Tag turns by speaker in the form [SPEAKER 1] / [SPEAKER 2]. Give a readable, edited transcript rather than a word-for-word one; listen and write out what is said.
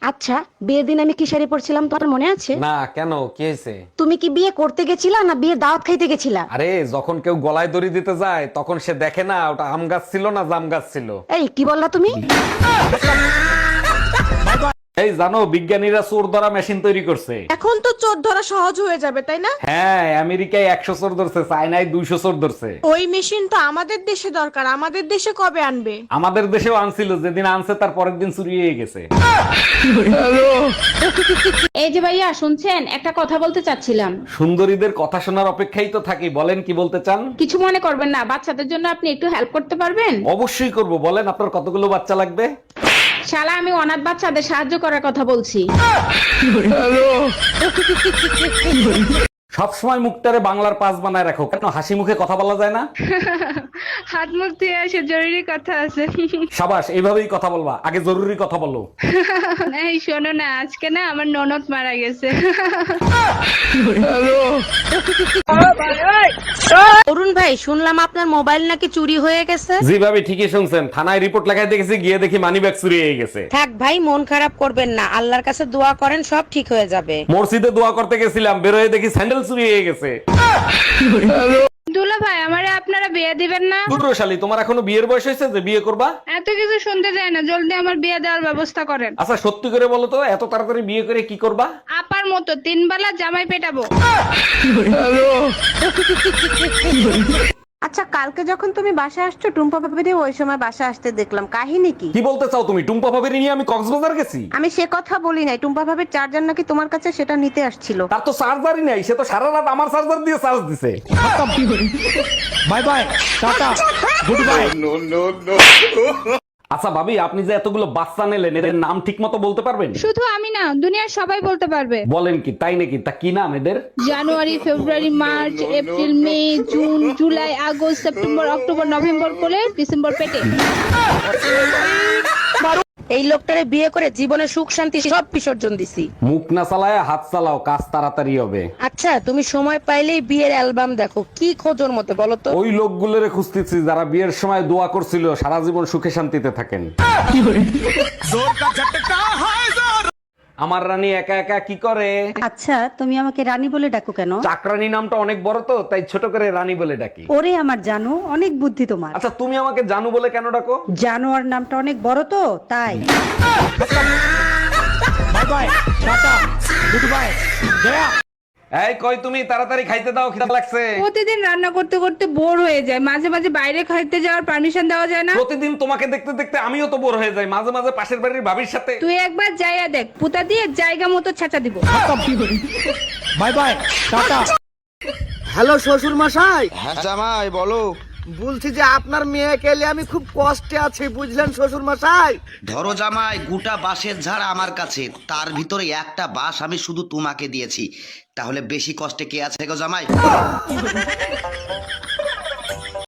[SPEAKER 1] আচ্ছা, বিয়ের দিন আমি কি শাড়ি পরছিলাম তোমার মনে আছে?
[SPEAKER 2] না, কেন, কি হয়েছে?
[SPEAKER 1] তুমি কি বিয়ে করতে গেছিলা না বিয়ের দাওয়াত খাইতে গেছিলা?
[SPEAKER 2] আরে যখন কেউ গলায় দড়ি দিতে যায় তখন সে দেখে না ওটা আম গাছ ছিল না জাম গাছ ছিল।
[SPEAKER 1] এই কি বললা তুমি?
[SPEAKER 2] এই জানো, বিজ্ঞানীরা চোর ধরা মেশিন তৈরি করছে।
[SPEAKER 3] এখন তো চোর ধরা সহজ হয়ে যাবে তাই না?
[SPEAKER 2] হ্যাঁ, আমেরিকায় 100 চোর ধরছে, চায়নায় 200 চোর ধরছে।
[SPEAKER 3] ওই মেশিন তো আমাদের দেশে দরকার, আমাদের দেশে কবে আনবে?
[SPEAKER 2] আমাদের দেশেও আনছিল, যেদিন আনছে তার পরের দিন চুরি হয়ে গেছে।
[SPEAKER 4] এই যে ভাইয়া শুনছেন, একটা কথা বলতে চাচ্ছিলাম।
[SPEAKER 2] সুন্দরীদের কথা শোনার অপেক্ষাই তো থাকি, বলেন কি বলতে চান?
[SPEAKER 4] কিছু মনে করবেন না, বাচ্চাদের জন্য আপনি একটু হেল্প করতে পারবেন?
[SPEAKER 2] অবশ্যই করব, বলেন আপনার কতগুলো বাচ্চা লাগবে?
[SPEAKER 4] শালা, আমি অনাথ বাচ্চাদের সাহায্য করার কথা বলছি।
[SPEAKER 2] সবসময় মুখটারে বাংলার পাস বানায় রাখো, কেন হাসি মুখে কথা বলা যায় না?
[SPEAKER 4] হাত মুখ ধুয়ে আসে, জরুরি কথা আছে।
[SPEAKER 2] সাবাস, এইভাবেই কথা বলবা, আগে জরুরি কথা বলো।
[SPEAKER 4] এই শোনো না, আজকে না আমার ননদ মারা গেছে।
[SPEAKER 1] অরুণ ভাই, শুনলাম আপনার মোবাইল নাকি চুরি হয়ে গেছে।
[SPEAKER 2] জি ভাবি, ঠিকই শুনছেন, থানায় রিপোর্ট লেখায় দেখেছি, গিয়ে দেখি মানি ব্যাগ চুরি হয়ে গেছে।
[SPEAKER 1] থাক ভাই, মন খারাপ করবেন না, আল্লাহর কাছে দোয়া করেন, সব ঠিক হয়ে যাবে।
[SPEAKER 2] মসজিদে দোয়া করতে গেছিলাম, বেরোয় দেখি স্যান্ডেল চুরি হয়ে গেছে।
[SPEAKER 4] দুলা ভাই, আমারে আপনারা বিয়ে দিবেন না?
[SPEAKER 2] দুদ্রশালী, তোমার এখনো বিয়ের বয়স হয়েছে যে বিয়ে করবা?
[SPEAKER 4] এত কিছু শুনতে চাই না, জলদি আমার বিয়ে দেওয়ার ব্যবস্থা করেন।
[SPEAKER 2] আচ্ছা সত্যি করে বলো তো, এত তাড়াতাড়ি বিয়ে করে কি করবা?
[SPEAKER 4] আপার মতো 3 বেলা জামাই পেটাবো।
[SPEAKER 1] আচ্ছা, কালকে যখন তুমি বাসায় আসছো টুম্পা ভাবিরে ওই সময় বাসায় আসতে দেখলাম, কাহিনী কি?
[SPEAKER 2] কি বলতে চাও তুমি? টুম্পা ভাবির নিয়ে আমি কক্সবাজার গেছি?
[SPEAKER 1] আমি সে কথা বলি নাই, টুম্পা ভাবির চার্জার নাকি তোমার কাছে, সেটা নিতে আসছিল।
[SPEAKER 2] তার তো চার্জারই নাই, সে তো সারা রাত আমার চার্জার দিয়ে চার্জ দিছে। Bye bye, tata, good bye. আচ্ছা ভাবি, আপনি যে এতগুলো বাচ্চা নিলেন, এদের নাম ঠিক মতো বলতে পারবেন?
[SPEAKER 4] শুধু আমি না, দুনিয়ার সবাই বলতে পারবে।
[SPEAKER 2] বলেন কি, তাই নাকি? তা কি নাম এদের?
[SPEAKER 4] জানুয়ারি, ফেব্রুয়ারি, মার্চ, এপ্রিল, মে, জুন, জুলাই, আগস্ট, সেপ্টেম্বর, অক্টোবর, নভেম্বর করে ডিসেম্বর পেটে।
[SPEAKER 1] এই লোকটারে বিয়ে করে জীবনে সুখ শান্তি সব বিসর্জন দিছি।
[SPEAKER 2] মুখ না চালায় হাত চালাও, কাজ তাড়াতাড়ি হবে।
[SPEAKER 1] আচ্ছা, তুমি সময় পাইলেই বিয়ের অ্যালবাম দেখো, কি খোঁজোর মতো বলো তো?
[SPEAKER 2] ওই লোকগুলোরে খুঁজতেছি যারা বিয়ের সময় দোয়া করছিল সারা জীবন সুখে শান্তিতে থাকেন। আমার রানী একা একা কি করে?
[SPEAKER 5] আচ্ছা, তুমি আমাকে রানী বলে ডাকো কেন?
[SPEAKER 2] চাকরানী নামটা অনেক বড় তো, তাই ছোট করে রানী বলে ডাকি।
[SPEAKER 5] ওরে আমার জানো, অনেক বুদ্ধি তোমার।
[SPEAKER 2] আচ্ছা তুমি আমাকে জানু বলে কেন ডাকো?
[SPEAKER 5] জানোয়ার নামটা অনেক বড় তো, তাই।
[SPEAKER 2] এই কই তুমি, তাড়াতাড়ি খাইতে দাও, খিদা লাগছে।
[SPEAKER 4] প্রতিদিন রান্না করতে করতে বোর হয়ে যায়, মাঝে মাঝে বাইরে খাইতে যাওয়ার পারমিশন দেওয়া যায় না?
[SPEAKER 2] প্রতিদিন তোমাকে দেখতে দেখতে আমিও তো বোর হয়ে যাই, মাঝে মাঝে পাশের বাড়ির ভাবির সাথে।
[SPEAKER 4] তুই একবার যাইয়া দেখ, পুতা দিয়ে জায়গা মতো ছাঁচা দিব।
[SPEAKER 2] By bye, tata.
[SPEAKER 6] হ্যালো শ্বশুর মশাই,
[SPEAKER 7] হ্যাঁ জামাই বলো।
[SPEAKER 6] বলছি যে আপনার মেয়েকে নিয়ে আমি খুব কষ্টে আছি, বুঝলেন শ্বশুর মশাই।
[SPEAKER 7] ধরো জামাই, গোটা বাঁশের ঝাড় আমার কাছে, তার ভিতরে একটা বাঁশ আমি শুধু তোমাকে দিয়েছি, তাহলে বেশি কষ্টে কে আছে গো জামাই?